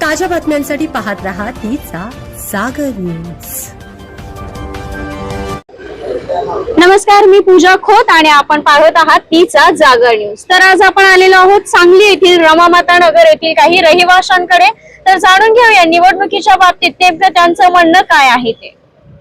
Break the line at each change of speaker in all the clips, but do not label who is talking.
ताज्या बातम्यांसाठी पाहत रहा तिचा जागर न्यूज।
नमस्कार, मी पूजा खोत आणि आपण पाहत आहात तिचा जागर न्यूज। तर आज आपण आलेलो आहोत सांगली येथील रमामाता नगर येथील काही रहिवाशांकडे। तर जाणून घेऊया निवडणुकीच्या बाबतीत नेमकं त्यांचं म्हणणं काय आहे ते।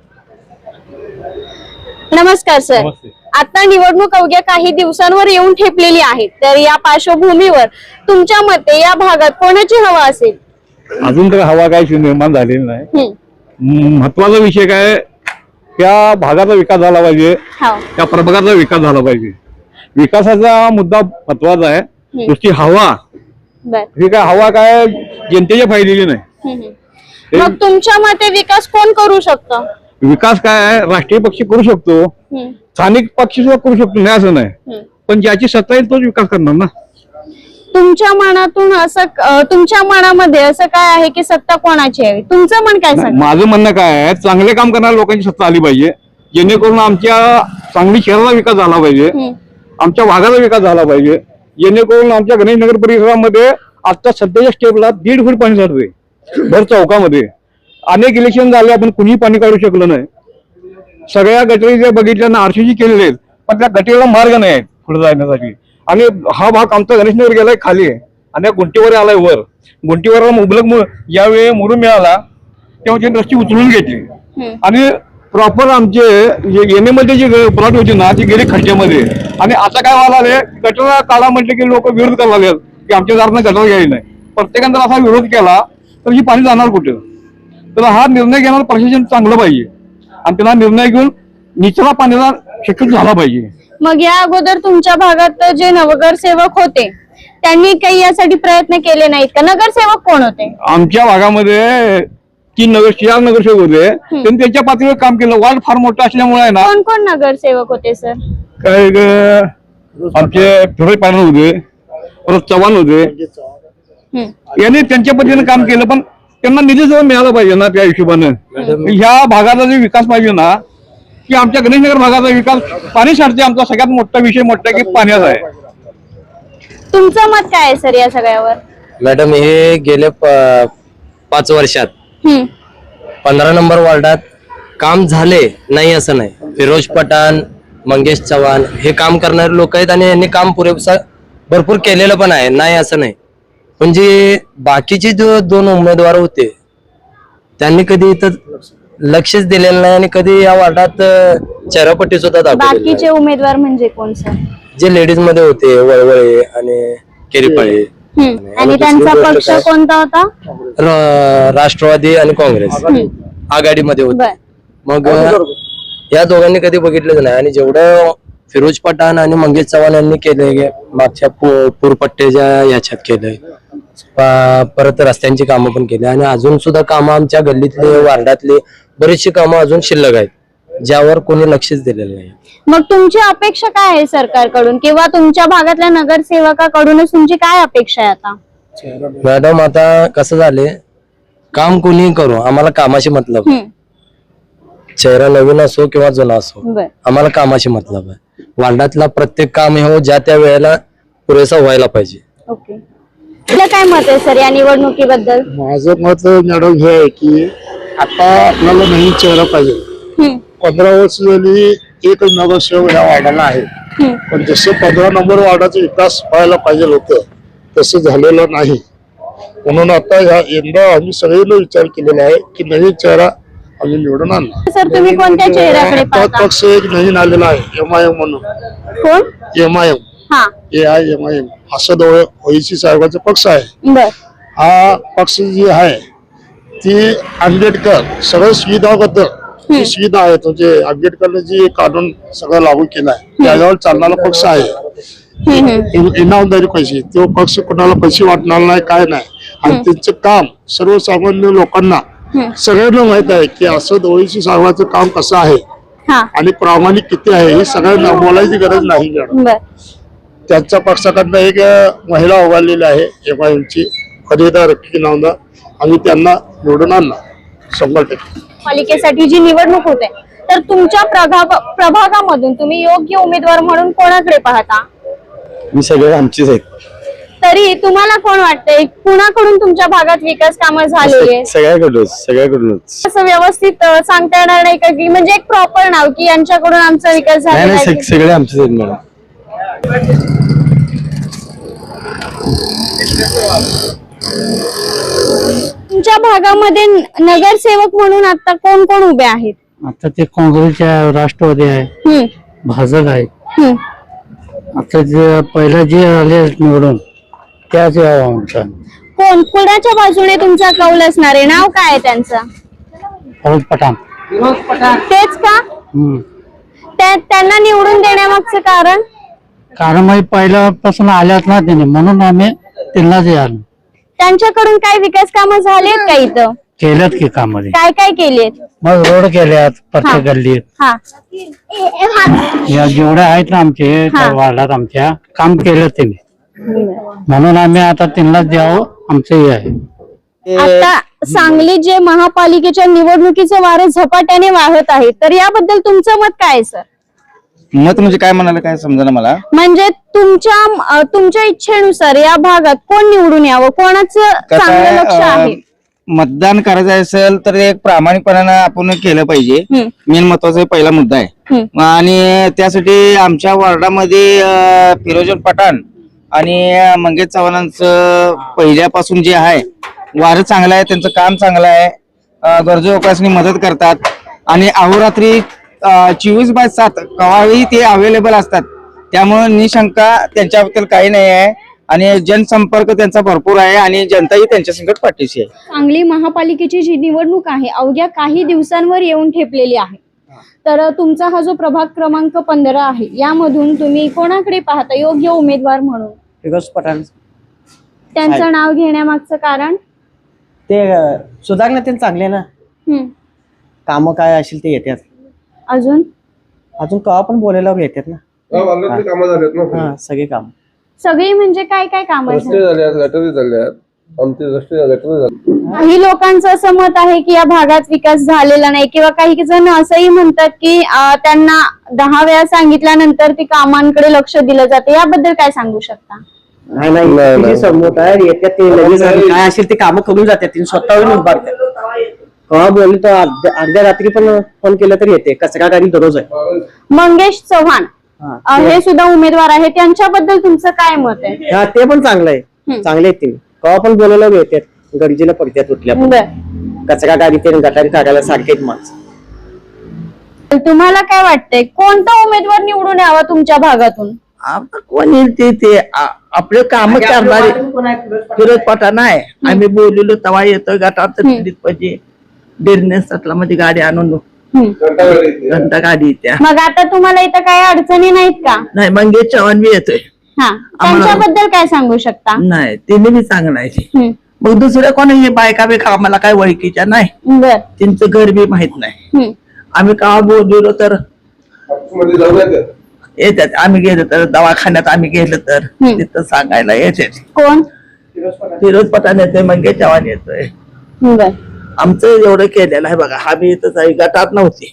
नमस्कार सर।
नमस्ते।
आता निवडणूक अवघ्या काही दिवसांवर येऊन ठेपलेली आहे, तर या पार्श्वभूमीवर तुमच्या मते या भागात कोणाची हवा असेल?
अजून तर हवा काय निर्माण झालेली नाही। महत्वाचा विषय काय, त्या भागाचा विकास झाला पाहिजे, त्या प्रभागाचा विकास झाला पाहिजे। विकासाचा मुद्दा महत्वाचा आहे, नुसती हवा ही काय हवा काय जनतेच्या फायद्याची नाही।
मग तुमच्या मते विकास कोण करू शकतो?
विकास काय राष्ट्रीय पक्ष करू शकतो, स्थानिक पक्ष सुद्धा करू शकतो, नाही असं नाही, पण ज्याची सत्ता येईल तोच विकास करणार ना।
तुमच्या मनातून असं तुमच्या मनामध्ये असं काय आहे की सत्ता कोणाची आहे? तुमचं मन काय सांगतं?
माझं म्हणणं काय आहे, चांगले काम करणाऱ्या लोकांची सत्ता आली पाहिजे, जेणेकरून आमच्या सांगली शहराचा विकास झाला पाहिजे, आमच्या भागाचा विकास झाला पाहिजे, जेणेकरून आमच्या गणेशनगर परिसरामध्ये आता सध्याच्या स्टेपला 1.5 फूट पाणी साठते भर चौकामध्ये। अनेक इलेक्शन झाले, आपण कुणी पाणी काढू शकलो नाही। सगळ्या गटरी जे बघितल्या आरसीजी केलेले आहेत, पण त्या गटरीला मार्ग नाही आहे पुढे जाण्यासाठी। आणि हा भाग आमचा गणेशनगर गेलाय खाली आहे आणि गुंटीवर आलाय वर। गुंटीवर मुबलक ज्यावेळी मुरुम मिळाला तेव्हा त्यांनी रस्ती उचलून घेतली आणि प्रॉपर आमचे येणेमध्ये जे प्लॉट होते ना ती गेली खड्ड्यामध्ये। आणि आता काय व्हायला, गटर काढा म्हटले की लोक विरोध करायला लागले की आमच्या दारानं गटर घ्यायला नाही। प्रत्येकाने असा विरोध केला तर ही पाणी जाणार कुठे? तर हा निर्णय घेणार प्रशासन चांगलं पाहिजे आणि त्यांना निर्णय घेऊन निचरा पाण्याला शक्यतो झाला पाहिजे।
मग या अगोदर तुमच्या भागात जे नगरसेवक होते त्यांनी काही यासाठी प्रयत्न केले नाहीत का? नगरसेवक कोण होते?
आमच्या भागामध्ये 4 नगरसेवक होते, त्यांनी त्यांच्या पातळीवर काम केलं। वार्ड फार मोठा असल्यामुळे आहे ना।
कोण कोण नगरसेवक होते सर?
काय आमचे फिरोज पाटील होते, परत चव्हाण होते, यांनी त्यांच्या पद्धतीने काम केलं, पण त्यांना निधी जवळ मिळाला पाहिजे ना। त्या हिशोबाने ह्या भागाचा जो विकास पाहिजे ना, की आमच्या गणेशनगर भागाचा विकास पाणी साठते। आमचा सगळ्यात मोठा विषय मोठा की पाण्याचा आहे।
तुमचं मत काय आहे सर या सगळ्यावर?
मॅडम, हे गेले 5 वर्षात 15 नंबर वार्डात काम झाले नाही असं नाही। फिरोज पठाण, मंगेश चव्हाण हे काम करणारे लोक आहेत आणि यांनी काम भरपूर केलेलं पण आहे, नाही असं नाही। पण जे बाकीचे जो 2 उमेदवार होते त्यांनी कधी इथं लक्षच दिलेलं नाही आणि कधी या वार्डात चेहरापट्टी सुद्धा दाखवली।
बाकीचे उमेदवार म्हणजे कोण सर?
जे लेडीज मध्ये होते, वळवळे आणि केरीपाळे।
आणि त्यांचा पक्ष कोणता होता?
राष्ट्रवादी आणि काँग्रेस आघाडीमध्ये होते। मग या दोघांनी कधी बघितलंच नाही। आणि जेवढं फिरोज पठाण आणि मंगेश चव्हाण यांनी केलंय मागच्या पूरपट्ट्याच्या याच्यात केलंय, परत रस्त्यांची कामं पण केली आणि अजून सुद्धा कामं आमच्या गल्लीतले वार्डातले बरीचशी कामं अजून शिल्लक आहेत, ज्यावर कोणी लक्षच दिलेलं नाही।
मग तुमची अपेक्षा काय आहे सरकारकडून किंवा तुमच्या भागातल्या नगरसेवकाकडूनच तुमची काय अपेक्षा आहे आता?
मॅडम, आता कसं झाले, काम कोणी करू, आम्हाला कामाशी मतलब आहे। चेहरा नवीन असो किंवा जुना असो, आम्हाला कामाशी मतलब आहे। वार्डातला प्रत्येक काम हे ज्या त्या वेळेला पुरेसा व्हायला पाहिजे।
ओके, तुला काय मत आहे सर या निवडणुकीबद्दल?
माझं मत मॅडम हे आहे की आता आपल्याला नवीन चेहरा पाहिजे। 15 वर्ष झाली एक नगरसेवक या वार्डाला आहे, पण जसं 15 नंबर वार्डाचा विकास व्हायला पाहिजे होतं तसं झालेलं नाही। म्हणून आता यंदा आम्ही सगळ्यांनी विचार केलेला आहे की नवीन चेहरा आम्ही निवडून आणला।
सर, तुम्ही कोणत्या चेहऱ्याकडे पाहता?
पक्ष एक नवीन आलेला आहे, MIM म्हणून।
कोण?
MIM, AIMIM असं ओईसी साहेबांचा पक्ष आहे। हा पक्ष जी आहे ती आंबेडकर सगळ्या सुविधाबद्दल जी सुविधा आहेत, म्हणजे आंबेडकरने जी कानून सगळं लागू केला आहे त्याच्यावर चालणारा पक्ष आहे। इनामदारी पैसे, तो पक्ष कोणाला पैसे वाटणार नाही, काय नाही। आणि त्यांचं काम सर्वसामान्य लोकांना सगळ्यांना माहित आहे की असं ओईसी साहेबांचं काम कसं आहे आणि प्रामाणिक किती आहे हे सगळ्यांना बोलायची गरज नाही। त्यांच्या पक्षाकडनं एक महिला उभारलेली आहे MIMची, फरीदा रफिक नावना, आम्ही त्यांना निवडून आणला 100%।
पालिकेसाठी जी निवडणूक होते तर तुमच्या प्रभागामधून तुम्ही योग्य उमेदवार म्हणून कोणाकडे पाहता?
मी सगळे आमचेच आहेत,
तरी तुम्हाला कोण वाटतंय कुणाकडून तुमच्या भागात विकास कामं झालेली आहेत?
सगळ्याकडूनच
असं व्यवस्थित सांगता येणार नाही का की म्हणजे एक प्रॉपर नाव की यांच्याकडून आमचा विकास झालेला आहे?
सगळे आमचे आहेत मॅडम.
तुमच्या भागामध्ये नगरसेवक म्हणून आता कोण कोण उभे आहेत?
आता ते काँग्रेसच्या राष्ट्रवादी आहे,
हम्म,
भाजप आहे.
हम्म.
आता जे पहिला जे आले निवडून त्याच यावं आमचा
कोण कुणाच्या बाजूने तुमचा कौल असणार आहे? नाव काय आहे त्यांचं?
फौज पठाण.
तेच का? त्यांना निवडून देण्यामागचं कारण?
कारण मग पहिल्यापासून आल्यात ना त्याने, म्हणून आम्ही त्यांनाच आलो.
त्यांच्याकडून काय विकास कामं झालेत का इथं?
केल्यात की कामध्ये,
काय काय केलेत?
मग रोड केल्यात प्रत्येक गल्लीत.
हा
या जेवढे आहेत ना आमचे त्या वार्डात आमच्या काम केलं त्यांनी, म्हणून आम्ही आता त्यांनाच द्यावं आमचं हे आहे.
आता सांगली जे महापालिकेच्या निवडणुकीचं वारं झपाट्याने वाहत आहे, तर याबद्दल तुमचं मत काय आहे सर?
मत म्हणजे काय म्हणाले काय समजा मला.
म्हणजे तुमच्या इच्छेनुसार या भागात कोण निवडून यावं, कोणाचं चांगलं लक्ष आहे?
मतदान करायचं असेल तर एक प्रामाणिकपणानं आपण केलं पाहिजे. मेन महत्वाचा पहिला मुद्दा आहे. आणि त्यासाठी आमच्या वॉर्डामध्ये फिरोजन पठाण आणि मंगेश चव्हाणांचं पहिल्यापासून जे आहे वारं चांगलं आहे, त्यांचं काम चांगलं आहे. गरजू लोकांनी मदत करतात आणि अहोरात्री 24/7 केव्हाही ते अवेलेबल असतात. त्यामुळे निशंका त्यांच्याबद्दल काही नाही आहे आणि जनसंपर्क त्यांचा भरपूर आहे आणि जनताही त्यांच्या संकट पाठीशी आहे.
सांगली महापालिकेची जी निवडणूक आहे अवघ्या काही दिवसांवर येऊन ठेपलेली आहे, तर तुमचा हा जो प्रभाग क्रमांक 15 आहे यामधून तुम्ही कोणाकडे पाहता योग्य उमेदवार म्हणून?
फिरोज पठाण.
त्यांचं नाव घेण्यामागचं कारण?
ते सुधारणा ते चांगले ना, काम काय असेल ते येतात.
अजून
केव्हा पण बोलायला येतात ना. हा सगळे काम.
सगळी म्हणजे काय काय काम?
गटारी झाल्यात आमचे गटारी.
काही लोकांचं असं मत आहे की या भागात विकास झालेला नाही, किंवा काही जण असंही म्हणतात की त्यांना 10 वेळा सांगितल्यानंतर ती कामांकडे लक्ष दिलं जाते. याबद्दल काय सांगू शकता?
नाही समोर आहे येतात ते लगेच काय असेल ते काम करून जातात. ते स्वतःहून उभारतात. केव्हा बोलले तर अर्ध्या रात्री पण फोन केलं तरी येते. कचरा गाडी दररोज आहे.
मंगेश चव्हाण हे सुद्धा उमेदवार आहे, त्यांच्याबद्दल तुमचं काय मत आहे?
हा ते पण चांगलं आहे. चांगले आहेत ते. केव्हा पण बोलायला येतात. गरजेला पडतात उठल्या. कचरा गाडी ते गटारी काढायला सारखे माणसं.
तुम्हाला काय वाटतंय कोणता उमेदवार निवडून यावा तुमच्या भागातून?
कोण येईल ते आपले काम करणारे. फिरोज पठाण आहे. आम्ही बोललेलो तेव्हा येतो गटार पाहिजे. बिझनेसला मध्ये गाडी आणून घंटा गाडी येत्या.
मग आता तुम्हाला इथं काही अडचणी नाहीत का?
नाही मंगेश चव्हाण बी येतोय.
हा, त्यांच्याबद्दल काय सांगू शकता?
नाही तिने बी चांगलं आहे. मग दुसऱ्या कोणी बायका बिका आम्हाला काय ओळखीच्या नाही. त्यांचं घर बी माहित नाही. आम्ही का बोललो तर येतात. आम्ही गेलो तर दवाखान्यात आम्ही गेलो तर तिथं सांगायला येते.
कोण?
फिरोज पठाण येतोय, मंगेश चव्हाण येतोय. आमचं एवढं केलेलं आहे बघा. हा बी इथं गटात नव्हती.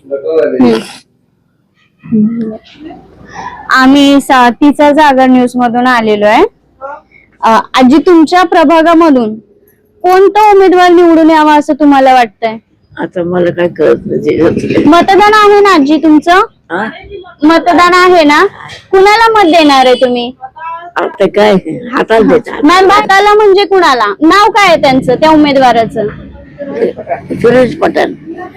आम्ही तिचा जागर न्यूज मधून आलेलो आहे. आजी तुमच्या प्रभागामधून कोणता उमेदवार निवडून यावा असं तुम्हाला वाटतंय?
आता मला काय कळत नाही.
मतदान आहे ना आजी तुमचं? मतदान आहे ना? कुणाला मत देणार आहे तुम्ही?
आता काय हाताला देतात.
मॅम हाताला म्हणजे कुणाला? नाव काय आहे त्यांचं त्या उमेदवाराचं?
फिरोज पठाण.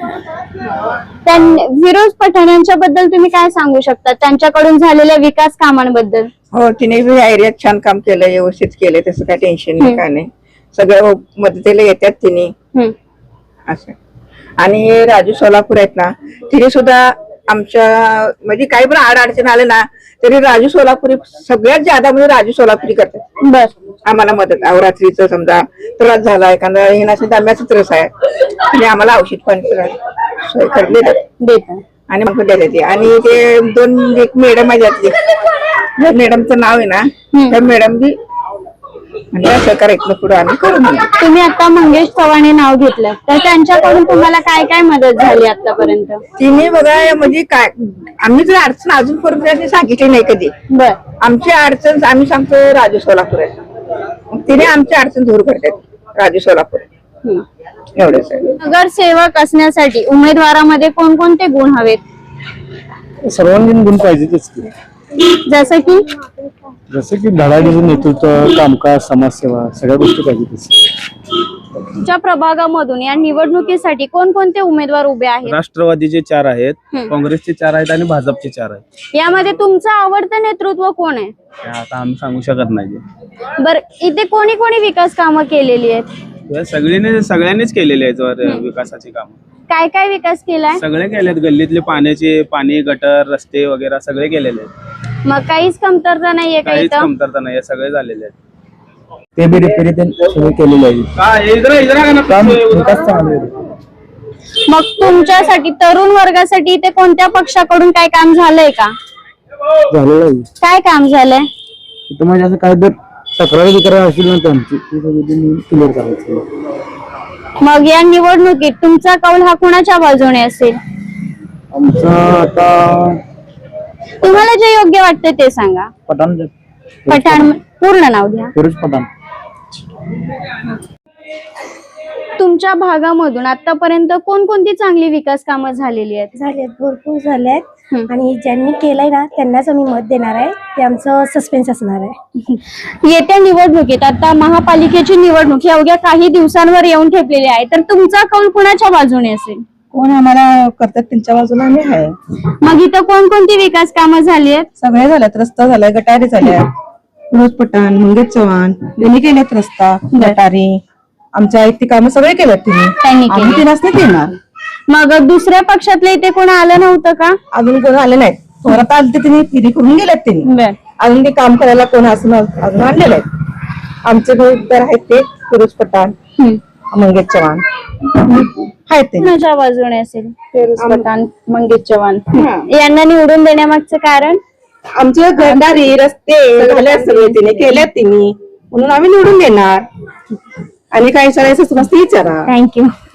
फिरोज पठाण यांच्याबद्दल तुम्ही काय सांगू शकता? त्यांच्याकडून झालेल्या विकास कामांबद्दल?
हो तिने बी एरियात छान काम केलं, व्यवस्थित केलं. तसं काय टेन्शन नाही काय नाही. सगळं मदतीला येतात तिने असं. आणि राजू सोलापूर आहेत ना, तिने सुद्धा आमच्या म्हणजे काही पण अडचण आले ना तरी राजू सोलापुरी सगळ्यात ज्यादा म्हणजे राजू सोलापुरी करतात आम्हाला मदत. अवरात्रीचं समजा त्रास झाला एखादा हे नसेल दम्याचा त्रास आहे आणि आम्हाला औषध पण सोय करून देतात आणि मग देते. आणि ते 2 एक मॅडम आहे त्यातली, मॅडमचं नाव आहे ना त्या मॅडम बी म्हणजे असं करायचं पुढे आम्ही करून.
तुम्ही आता मंगेश चव्हाण नाव घेतलं तर त्यांच्याकडून तुम्हाला काय काय मदत झाली आतापर्यंत?
तिने बघा म्हणजे काय आम्ही जर अडचण अजूनपर्यंत सांगितली नाही कधी. आमची अडचण आम्ही सांगतो राजू सोलापूर आहे. तिने आमच्या अडचण दूर करतात राजू सोलापूर एवढेच आहे.
नगरसेवक असण्यासाठी उमेदवारामध्ये कोणकोणते गुण हवेत?
सर्वांगीण गुण पाहिजेतच की,
जसं की
जसं की धडाडीचं नेतृत्व, कामकाज, समाजसेवा सगळ्या गोष्टी पाहिजेतच.
तुमच्या प्रभागामधून या निवडणुकीसाठी कोणकोणते उमेदवार उभे आहेत?
राष्ट्रवादीचे 4 आहेत, काँग्रेसचे 4 आहेत आणि भाजपचे 4 आहेत.
यामध्ये तुमचं आवडतं नेतृत्व कोण आहे?
ते आता आम्ही सांगू शकत नाही.
बर, इथे कोणी कोणी विकास कामं केलेली आहेत?
सगळ्यांनीच केलेले आहेत विकासाची कामं.
काय काय विकास केलाय?
सगळे केलेत. गल्लीतले पाणी, गटर, रस्ते वगैरे सगळे केलेले आहेत.
मग काहीच कमतरता नाहीये का
काहीच
इथं?
कमतरता नाही, सगळे झालेले आहेत.
ते बी रिपेरी सुरू केलेलं आहे.
मग तुमच्यासाठी तरुण वर्गासाठी इथे कोणत्या पक्षाकडून काय काम झालंय का?
झालेलं आहे.
काय काम झालंय?
इथं म्हणजे असं काय जर तक्रार बिक्रार असेल ना त्यांची क्लिअर करायचं.
मग या निवडणुकीत तुमचा कौल हा कुणाच्या बाजूने असेल?
आमचं आता
तुम्हाला जे योग्य वाटतं ते सांगा. पठाण पूर्ण नाव घ्या.
फिरोज पठाण.
तुमच्या भागामधून आतापर्यंत कोणकोणती चांगली विकास कामं झालेली आहेत?
झालेत, भरपूर झालेत. आणि ज्यांनी केलंय ना त्यांनाच आम्ही मत देणार आहे. ते आमचं सस्पेन्स असणार आहे.
येत्या निवडणुकीत आता महापालिकेची निवडणूक ही अवघ्या काही दिवसांवर येऊन ठेपलेली आहे, तर तुमचा कौल कुणाच्या बाजूने असेल?
कोण आम्हाला करतात त्यांच्या बाजूला आम्ही आहे.
मग इथं कोणकोणती विकास कामं झाली आहेत?
सगळे झाल्यात. रस्ता झालाय, गटारी झाल्या. फिरोज पठाण, मंगेश चव्हाण यांनी केल्यात रस्ता, गटारी. आमच्या आयती कामं सगळे केल्यात
त्यांनी
आम्ही
केली.
तिनाच नाही देणार.
मग दुसऱ्या पक्षातले इथे कोण आलं नव्हतं का?
अजून कोण आले नाहीत. थोरात आले ते तिने फिरी करून गेल्यात त्यांनी. अजून ते काम करायला कोण असं अजून आणलेलं आहे. आमचे तर आहेत ते फिरोज पठाण, मंगेश चव्हाण आहेत ते.
कुणाच्या बाजूने असेल?
फिरोज पठाण, मंगेश चव्हाण
यांना निवडून देण्यामागचं कारण?
आमचे गटारी रस्ते झाल्यात सगळे तिने केल्यात तिने, म्हणून आम्ही निवडून देणार. आणि काही सांगायचं मस्त विचारा.
थँक्यू.